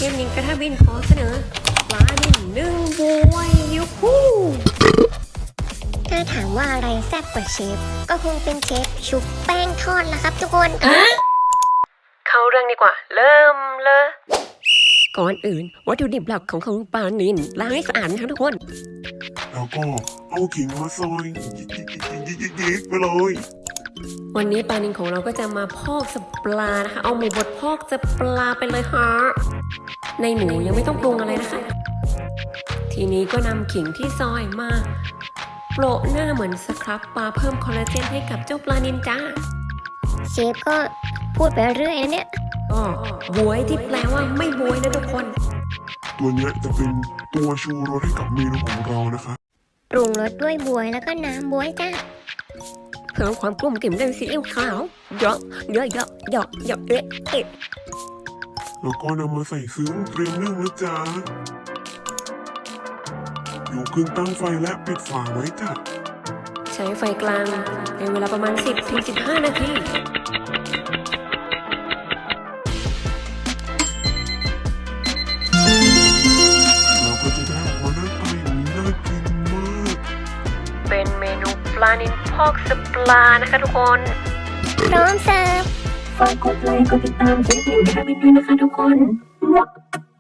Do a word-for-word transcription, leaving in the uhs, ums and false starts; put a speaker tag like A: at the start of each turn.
A: ฟนิงกระทะวินขอเสนอปลาดินนึ่งบวยยูฮู
B: ถ้าถามว่าอะไรแซ่บกว่าเชฟก็คงเป็นเชฟชุบแป้งทอดละครับทุกคน
A: เข้าเรื่องดีกว่าเริ่มเลยก่อนอื่นวัตถุดิบหลักของของปลานิลล้างให้สะอาดนะครับทุกคน
C: แล้วก็เอาขิงมาซอยยิกๆๆๆไปเลย
A: วันนี้ปลานิลของเราก็จะมาพอกสปลานะคะเอาหมูบดพอกสปลาไปเลยฮะในหมูยังไม่ต้องปรุงอะไรนะคะทีนี้ก็นำขิงที่ซอยมาโปะหน้าเหมือนสครับปลาเพิ่มคอลลาเจนให้กับเจ้าปลานิลจ้า
B: เชฟก็พูดไปเรื่อยนะเนี่ย
A: ก็บวยที่แปลว่าไม่บวยนะทุกคน
C: ตัวนี้จะเป็นตัวชูรสให้กับเมนูของเรานะคะ
B: ปรุงรสด้วยบวยแล้วก็น้ำบวยจ้า
A: เพิ่มความกลุ่มกลิ่นด้วยซีอิ๊วขาวเยอะเยอะเยอะเยอะเยอะเอ๊ะเอ๊ะ
C: แล้วก็นำมาใส่ซึ้งเตรียมนึ่งนะจ๊ะอยู่ขึ้นตั้งไฟและปิดฝาไว้จ้ะ
A: ใช้ไฟกลางในเวลาประมาณ สิบถึงสิบห้า นาที
C: เราก็จะได้ออกมาหน้าตาอย่างนี้น่ากินมาก
A: เป็นเมนูปลานิลพอกสปลานะคะทุกคน
B: พร้อมเสิร์ฟ
A: ฝากกดไลค์กดติดตามเจ๊หญิงแคบินด้วยนะคะทุกคน